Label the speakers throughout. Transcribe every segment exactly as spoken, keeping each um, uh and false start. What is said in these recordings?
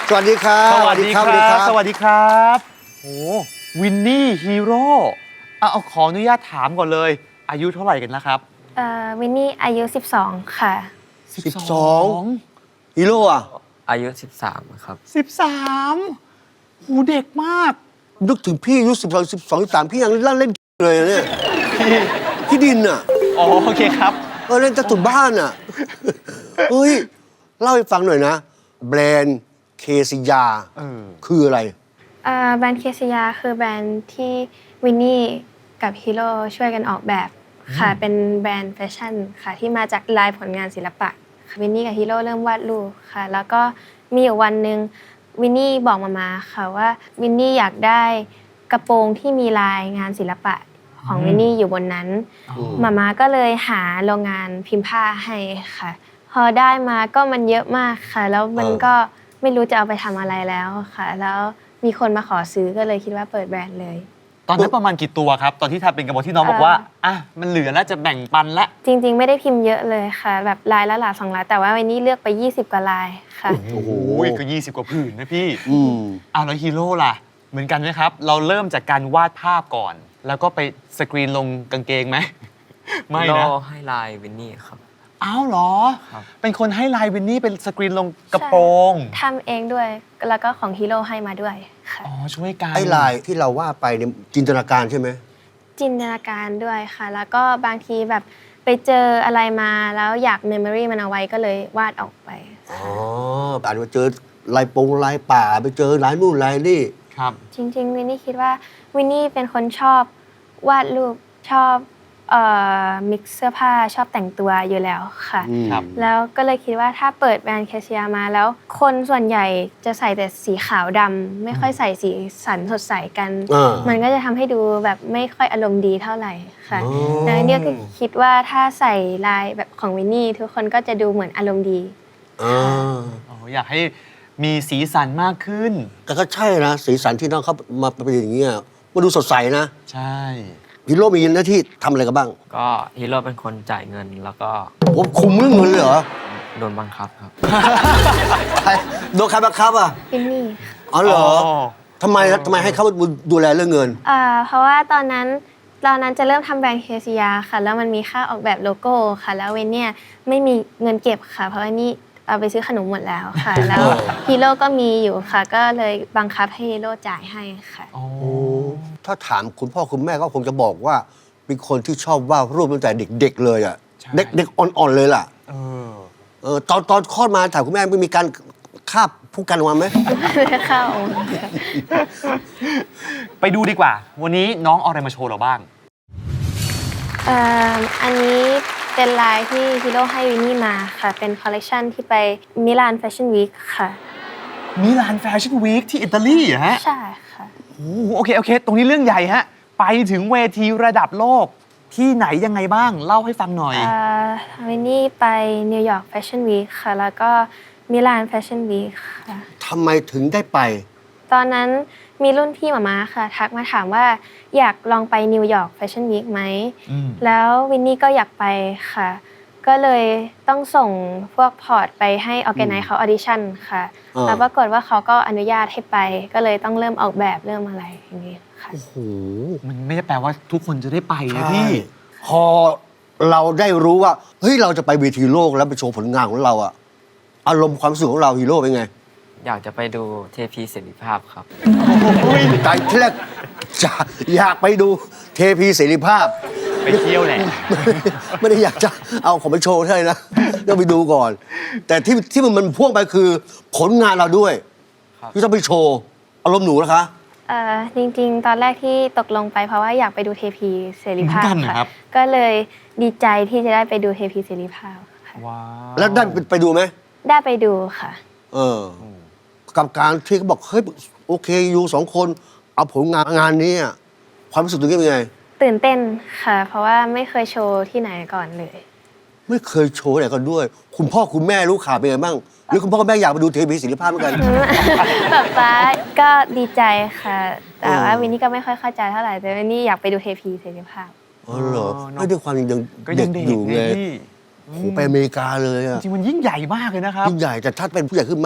Speaker 1: สวัสดีครับ
Speaker 2: สวัสดีครับ สวัสดีครับ โอ้วินนี่ฮีโร่เอาขออนุญาตถามก่อนเลย อายุเท่าไหร่กันนะครับ
Speaker 3: เอ่อวินนี่อายุสิบสองค่ะ
Speaker 1: สิบสองฮีโร่อะ
Speaker 4: อายุสิบสามครับ
Speaker 2: สิบสามหูเด็กมาก
Speaker 1: นึกถึงพี่อายุสิบสองสิบสองสิบสามพี่ยังเล่นเล่นเลยอะเนี่ยพี่ดินอะ
Speaker 2: อ๋อโอเคครับ
Speaker 1: เออเล่นตะตุ่นบ้านอะเฮ้ยเล่าให้ฟังหน่อยนะ แบรนด์เคซิยา
Speaker 2: เออ
Speaker 1: คืออะไร
Speaker 3: เอ่อแบรนด์เคสยาคือแบรนด์ที่วินนี่กับฮีโร่ช่วยกันออกแบบค่ะ เป็นแบรนด์แฟชั่นค่ะที่มาจากลายผลงานศิลปะค่ะวินนี่กับฮีโร่เริ่มวาดรูปค่ะ แล้วก็มีอยู่วันหนึ่งวินนี่บอกมามาค่ะว่าวินนี่อยากได้กระโปรงที่มีลายงานศิลปะของวินนี่อยู่บนนั้น
Speaker 2: อ๋อ
Speaker 3: มามาก็เลยหาโรงงานพิมพ์ผ้าให้ค่ะ พอได้มาก็มันเยอะมากค่ะ แล้วมัน
Speaker 1: เออ
Speaker 3: ก็ไม่รู้จะเอาไปทำอะไรแล้วค่ะ แล้วมีคนมาขอซื้อก็เลยคิดว่าเปิดแบรนด์เลย
Speaker 2: ตอนนั้นประมาณกี่ตัวครับ ตอนที่ทำเป็นกระบอกที่น้องบอกว่า อ่ะ มันเหลือแล้วจะแบ่งปันละ
Speaker 3: จริงๆ ไม่ได้พิมพ์เยอะเลยค่ะ แบบลายละหลาสองลายแต่ว่าวันนี้เลือกไปยี่สิบกว่าลายค่ะ
Speaker 2: โอ้โหก็ยี่สิบกว่าผืนนะพี่
Speaker 1: อืม
Speaker 2: อ้าวแล้วฮีโร่ล่ะ เหมือนกันไหมครับ เราเริ่มจากการวาดภาพก่อน แล้วก็ไปสกรีนลงกางเกงไหม ไม่
Speaker 4: โล
Speaker 2: นะ
Speaker 4: ให้ลายวินนี่ครับ
Speaker 2: อ้าวเหรอ
Speaker 4: ครับ
Speaker 2: เป็นคนให้ลายวินนี่เป็นสกรีนลงกระโปรง
Speaker 3: ทำเองด้วย แล้วก็ของฮีโร่ให้มาด้วยค่ะ
Speaker 2: อ๋อ ช่วยกัน
Speaker 1: ไอ้ลายที่เราว่าไปเนี่ยจินตนาการใช่ไหม
Speaker 3: จินตนาการด้วยค่ะ แล้วก็บางทีแบบไปเจออะไรมาแล้วอยากเมมโมรีมันเอาไว้ก็เลยวาดออกไป
Speaker 1: อ๋ออาจจะเจอลายปงลายป่าไปเจอลายนู่นลายนี่
Speaker 2: ครับ
Speaker 3: จริงๆวินนี่คิดว่าวินนี่เป็นคนชอบวาดรูปชอบเอ่อมิกซ์เสื้อผ้าชอบแต่งตัวอยู่แล้วค่ะ
Speaker 1: อืม
Speaker 2: ครับ
Speaker 3: แล้วก็เลยคิดว่าถ้าเปิดแบรนด์แคชเชียร์มาแล้วคนส่วนใหญ่จะใส่แต่สีขาวดำไม่ค่อยใส่สีสันสดใสกัน
Speaker 1: อ่ามั
Speaker 3: มันก็จะทำให้ดูแบบไม่ค่อยอารมณ์ดีเท่าไหร่ค่ะ
Speaker 1: อ๋อ
Speaker 3: แล้วเนี่ยก็คิดว่าถ้าใส่ลายแบบของวินนี่ทุกคนก็จะดูเหมือนอารมณ์ดี
Speaker 1: อ่า
Speaker 2: อ๋อ อยากให้มีสีสันมากขึ้น
Speaker 1: แต่ก็ใช่นะ สีสันที่น้องเขามาเป็นอย่างเงี้ยมาดูสดใสนะ
Speaker 2: ใช่
Speaker 1: ฮีโร่มีหน้าที่ทำอะไรกันบ้าง
Speaker 4: ก็ฮีโร่เป็นคนจ่ายเงินแล้วก็
Speaker 1: ผมคุมเรื่องเงินเลยเหรอ
Speaker 4: โดนบังคับครับ
Speaker 1: ใครโดนใครบังคับอ่ะ
Speaker 3: วินนี่
Speaker 1: อ๋อเหรอ
Speaker 2: อ๋อ
Speaker 1: ทำไมทำไมให้เขาดูแลเรื่องเงิน
Speaker 3: อ่าเพราะว่าตอนนั้นตอนนั้นจะเริ่มทำแบรนด์เคซียาค่ะ แล้วมันมีค่าออกแบบโลโก้ค่ะ แล้วเวนเนี่ยไม่มีเงินเก็บค่ะ เพราะว่านี่เอาไปซื้อขนมหมดแล้วค่ะ แล้วฮีโร่ก็มีอยู่ค่ะ ก็เลยบังคับให้ฮีโร่จ่ายให้ค่ะ
Speaker 2: อ๋อ
Speaker 1: ถ้าถามคุณพ่อคุณแม่ก็คงจะบอกว่าเป็นคนที่ชอบวาดรูปตั้งแต่เด็ก ๆ เลยอ่ะ
Speaker 2: ใช่
Speaker 1: เด็กเด็กอ่อนๆเลยล่ะ
Speaker 2: เออ
Speaker 1: เออตอนตอนคลอดมาถามคุณแม่ไม่มีการคาบผู้กันออกมาไหม
Speaker 3: ไม่เข้าค่ะ
Speaker 2: ไปดูดีกว่า วันนี้น้องเอาอะไรมาโชว์เราบ้าง
Speaker 3: เอ่ออันนี้เป็นลายที่ฮีโร่ให้วินนี่มาค่ะ เป็นคอลเลกชันที่ไปมิลานแฟชั่นวีคค่ะ
Speaker 2: มิลานแฟชั่นวีคที่อิตาลีเหรอฮะ
Speaker 3: ใช่ค่ะ
Speaker 2: โอ้โหโอเค โอเค ตรงนี้เรื่องใหญ่ฮะ ไปถึงเวทีระดับโลกที่ไหนยังไงบ้าง เล่าให้ฟังหน่อย
Speaker 3: เอ่อวินนี่ไปนิวยอร์กแฟชั่นวีคค่ะ แล้วก็มิลานแฟชั่นวีคค่ะ
Speaker 1: ทำไมถึงได้ไป
Speaker 3: ตอนนั้นมีรุ่นพี่หมามาค่ะ ทักมาถามว่าอยากลองไปนิวยอร์กแฟชั่นวีคไหม
Speaker 2: อืม
Speaker 3: แล้ววินนี่ก็อยากไปค่ะ ก็เลยต้องส่งพวกพอร์ตไปให้ออแกไนซ์เขาออดิชั่นค่ะ
Speaker 1: อ่า
Speaker 3: แล้วปรากฏว่าเขาก็อนุญาตให้ไป ก็เลยต้องเริ่มออกแบบเริ่มอะไรอย่างนี้ค่ะ
Speaker 1: โอ้โห
Speaker 2: มันไม่ได้แปลว่าทุกคนจะได้ไปนะ
Speaker 1: ใช่
Speaker 2: พี่
Speaker 1: พอเราได้รู้ว่าเฮ้ยเราจะไปเวทีโลกแล้วไปโชว์ผลงานของเราอะอารมณ์ความรู้สึกของเราฮีโร่เป็นไง
Speaker 4: อยากจะไปดูเทพีเสรีภาพครับ
Speaker 1: ใจที่แรกจะอยากไปดูเทพีเสรีภาพ
Speaker 2: ไปเที่ยวแหละ
Speaker 1: ไม่ได้อยากจะเอาของไปโชว์เท่านั้นนะต้องไปดูก่อน แต่ที่ที่มันมันพ่วงไปคือผลงานเราด้วย
Speaker 4: ครับ
Speaker 1: ที่ต้องไปโชว์อารมณ์หนูนะคะ
Speaker 3: เอ่อจริงๆ ตอนแรกที่ตกลงไปเพราะว่าอยากไปดูเทพีเสรีภาพ
Speaker 2: เหมือนกันเหรอครั
Speaker 3: ค่ะ
Speaker 2: บ
Speaker 3: ก็เลยดีใจที่จะได้ไปดูเทพีเสรีภาพค่ะ
Speaker 2: ว้าว
Speaker 1: แล้วได้ไปไปดูไหม
Speaker 3: ได้ไปดูค่ะ
Speaker 1: เออ กับการที่เขาบอกเฮ้ยโอเคอยู่สองคนเอาผลงานงานนี้อะความรู้สึกตรงนี้เป็นไง
Speaker 3: ตื่นเต้นค่ะ เพราะว่าไม่เคยโชว์ที่ไหนก่อนเลย
Speaker 1: ไม่เคยโชว์ไหนกันด้วย คุณพ่อคุณแม่รู้ข่าวเป็นไงบ้างหรือคุณพ่อคุณแม่อยากไปดูเทพีศิลปภาพเหมือนกัน
Speaker 3: ป๊าป๊าก็ดีใจค่ะ แต่ว่า
Speaker 1: เออ
Speaker 3: วินนี่ก็ไม่ค่อยเข้าใจเท่าไหร่ แต่วินนี่อยากไปดูเทพีเสรีภาพ
Speaker 1: อ๋อเหรอ
Speaker 2: เออเนอะ
Speaker 1: ไม่ด้วยความยัง
Speaker 2: ก็
Speaker 1: เด็
Speaker 2: ยั
Speaker 1: ก
Speaker 2: งเด็ก
Speaker 1: อยู่
Speaker 2: ไง
Speaker 1: ไง
Speaker 2: พี่
Speaker 1: โหไปอเมริกาเลยอะ
Speaker 2: จริงๆมันยิ่งใหญ่มากเลยนะครับ
Speaker 1: ยิ่งใหญ่แต่ถ้าเป็นผู้ใหญ่ขึ้นมา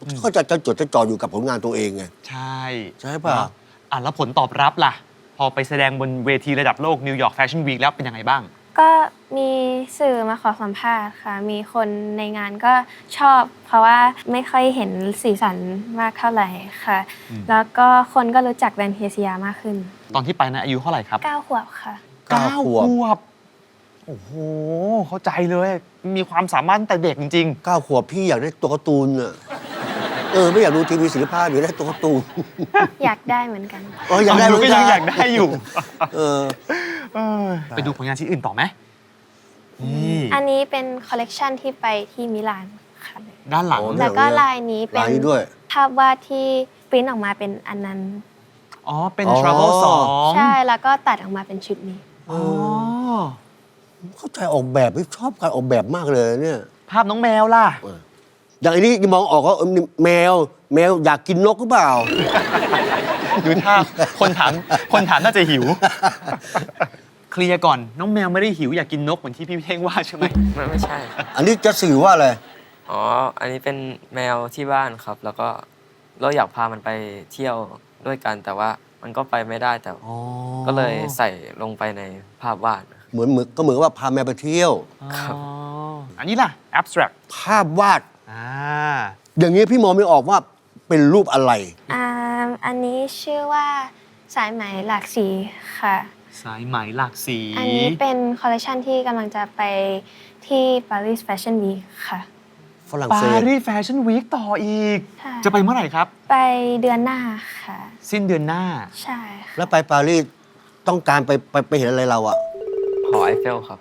Speaker 1: ก็จะจะจดจะจ่ออยู่กับผลงานตัวเองไง
Speaker 2: ใช่
Speaker 1: ใช่ป่ะ
Speaker 2: เนออ่ะแล้วผลตอบรับล่ะ พอไปแสดงบนเวทีระดับโลกนิวยอร์กแฟชั่นวีคแล้วเป็นยังไงบ้าง
Speaker 3: ก็มีสื่อมาขอสัมภาษณ์ค่ะ มีคนในงานก็ชอบ เพราะว่าไม่ค่อยเห็นสีสันมากเท่าไหร่ค่ะ
Speaker 2: อืม
Speaker 3: แล้วก็คนก็รู้จักแบรนด์เคซียามากขึ้น
Speaker 2: ตอนที่ไปนะอายุเท่าไหร่ครับ
Speaker 3: เก้าขวบค่ะ
Speaker 1: เก้าขวบ
Speaker 2: วบ โอ้โห เข้าใจเลย มีความสามารถตั้งแต่เด็กจริง
Speaker 1: เก้าขวบพี่อยากได้ตัวการ์ตูนอ่ะเออไม่อยากดูทีวีศิลปะอยากได้ตัวการ์ตูน
Speaker 3: อยากได้เหมือนกัน
Speaker 1: อ๋ออยากได้
Speaker 2: ฟัง
Speaker 1: เหมื
Speaker 2: ก็
Speaker 1: อน
Speaker 2: ยั
Speaker 1: กั
Speaker 2: ง
Speaker 1: น
Speaker 2: อยากได้อยู่
Speaker 1: เออ
Speaker 2: เออไปดูผลงานชิ้นอื่นต่อไหมนี่
Speaker 3: อันนี้เป็นคอลเลกชันที่ไปที่มิลานค่ะ
Speaker 2: ด้านหลัง
Speaker 1: โอ้
Speaker 3: แล้วก็ลายนี้เป็
Speaker 1: ลาน ยนี้ด้วย
Speaker 3: ภาพวาดที่ปริ้นออกมาเป็นอันนั้น
Speaker 2: อ๋อ เป็น
Speaker 1: อ๋อ
Speaker 2: Travel สอง
Speaker 3: ใช่ แล้วก็ตัดออกมาเป็นชุดนี้
Speaker 2: อ๋อ
Speaker 1: เข้าใจออกแบบชอบการออกแบบมากเลยเนี่ย
Speaker 2: ภาพน้องแมวล่ะ
Speaker 1: อย่างอันนี้มองออกว่าเออนี่แมว แมวอยากกินนกหรือเปล่า
Speaker 2: ดูท่าคนถามคนถามน่าจะหิว เคลียร์ก่อน น้องแมวไม่ได้หิวอยากกินนกเหมือนที่พี่เท่งว่าใช่ไหม
Speaker 4: ไม่ไม่ใช่ครับ
Speaker 1: อันนี้จะสื่อว่าอะไร
Speaker 4: อ๋อ อันนี้เป็นแมวที่บ้านครับ แล้วก็เราอยากพามันไปเที่ยวด้วยกัน แต่ว่ามันก็ไปไม่ได้แต่
Speaker 2: อ๋อ
Speaker 4: ก็เลยใส่ลงไปในภาพวาดนะครับ
Speaker 1: เหมือนเหมือนก็เหมือนว่าพาแมวไปเที่ยว
Speaker 4: ครับ
Speaker 2: อ๋ออันนี้ล่ะ abstract
Speaker 1: ภาพวาด
Speaker 2: อ่า
Speaker 1: อย่างนี้พี่มองไม่ออกว่าเป็นรูปอะไร
Speaker 3: อ่าอันนี้ชื่อว่าสายไหมหลากสีค่ะ
Speaker 2: สายไหมหลากสี
Speaker 3: อันนี้เป็นคอลเลคชันที่กำลังจะไปที่ปารีสแฟชั่นวีคค่ะ
Speaker 1: ฝรั่ง
Speaker 2: ปา
Speaker 1: เศส
Speaker 2: รีสแฟชั่นวีคต่ออีก
Speaker 3: ใช่
Speaker 2: จะไปเมื่อไหร่ครับ
Speaker 3: ไปเดือนหน้าค่ะ
Speaker 2: สิ้นเดือนหน้า
Speaker 3: ใช่ค่ะ
Speaker 1: แล้วไปปารีสต้องการไปไปไปเห็นอะไรเราอะ
Speaker 4: หอไอเฟลครับ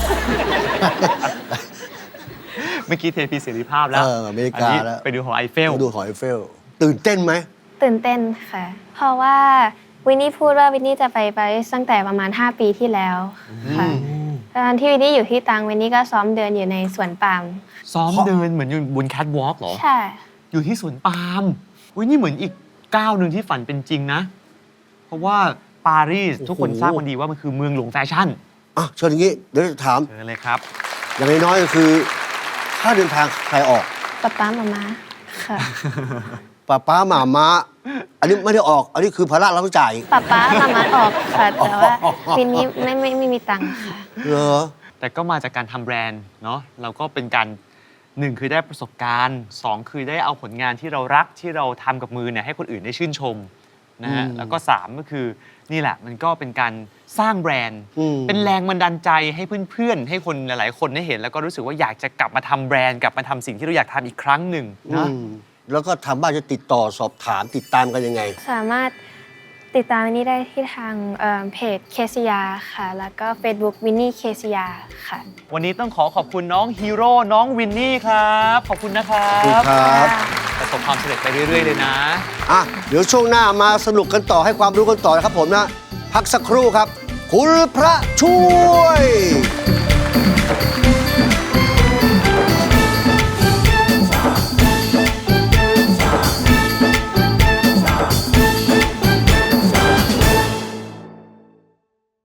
Speaker 2: เมื่อกี้เทพีเสรีภาพแล้ว
Speaker 1: เอออเมริกา
Speaker 2: อันนี้
Speaker 1: แล้ว
Speaker 2: ไปดูหอไอเฟล
Speaker 1: ไปดูหอไอเฟล ตื่นเต้นไหม
Speaker 3: ตื่นเต้นค่ะ เพราะว่าวินนี่พูดว่าวินนี่จะไปปารีสตั้งแต่ประมาณ ห้า ปีที่แล้วค่ะตอนที่วินนี่อยู่ที่ตังวินนี่ก็ซ้อมเดินอยู่ในสวนปาล์ม
Speaker 2: ซ้อมเดินเหมือนอยู่บนแคทวอล์กเหรอ
Speaker 3: ใช่
Speaker 2: อยู่ที่สวนปาล์มอุ้ยนี่เหมือนอีกก้าวหนึ่งที่ฝันเป็นจริงนะ เพราะว่าปารีส
Speaker 1: โอ้โห
Speaker 2: ทุกคนทราบกันดีว่ามันคือเมืองหลวงแฟชั่น
Speaker 1: อ่ะเชิญอย่างนี้ เดี๋ยวจะถาม
Speaker 2: เชิญเลยครับ
Speaker 1: อย่างน้อยๆก็คือค่าเดินทางใครออก
Speaker 3: ป๊าป๊ามามาค่ะ
Speaker 1: ป้าป้าหมาม้า อันนี้ไม่ได้ออก อันนี้คือภาระเราต้องจ่าย
Speaker 3: ป๊าป๊ามามาออกค่ะ แต่ว่าวินนี่ไม่ไม่ไม่มีตังค์ค่ะ
Speaker 1: เหรอ
Speaker 2: แต่ก็มาจากการทำแบรนด์เนาะเราก็เป็นการหนึ่งคือได้ประสบการณ์สองคือได้เอาผลงานที่เรารักที่เราทำกับมือเนี่ยให้คนอื่นได้ชื่นชมนะฮะ
Speaker 1: อืม
Speaker 2: แล้วก็สามก็คือนี่แหละมันก็เป็นการสร้างแบรนด์
Speaker 1: อืม
Speaker 2: เป็นแรงบันดาลใจให้เพื่อนๆ ให้คนหลายๆ คนได้เห็น แล้วก็รู้สึกว่าอยากจะกลับมาทำแบรนด์กลับมาทำสิ่งที่เราอยากทำอีกครั้งหนึ่ง
Speaker 1: อื
Speaker 2: นะ
Speaker 1: มแล้วก็ทางบ้านจะติดต่อสอบถามติดตามกันยังไง
Speaker 3: สามารถติดตามวินนี่ได้ที่ทางเอ่อเพจเคซียาค่ะ แล้วก็ Facebook วินนี่เคซียาค่ะ
Speaker 2: วันนี้ต้องขอขอบคุณน้องฮีโร่น้องวินนี่ครับ ขอบคุณนะครั
Speaker 1: ขอบคุณ
Speaker 2: บ
Speaker 1: ครับ
Speaker 2: ประสบความสำเร็จไปเรื่อย ๆ เลยนะ
Speaker 1: อ่ะ เดี๋ยวช่วงหน้ามาสนุกกันต่อให้ความรู้กันต่อนะครับผมนะ พักสักครู่ครับ คุณพระช่วย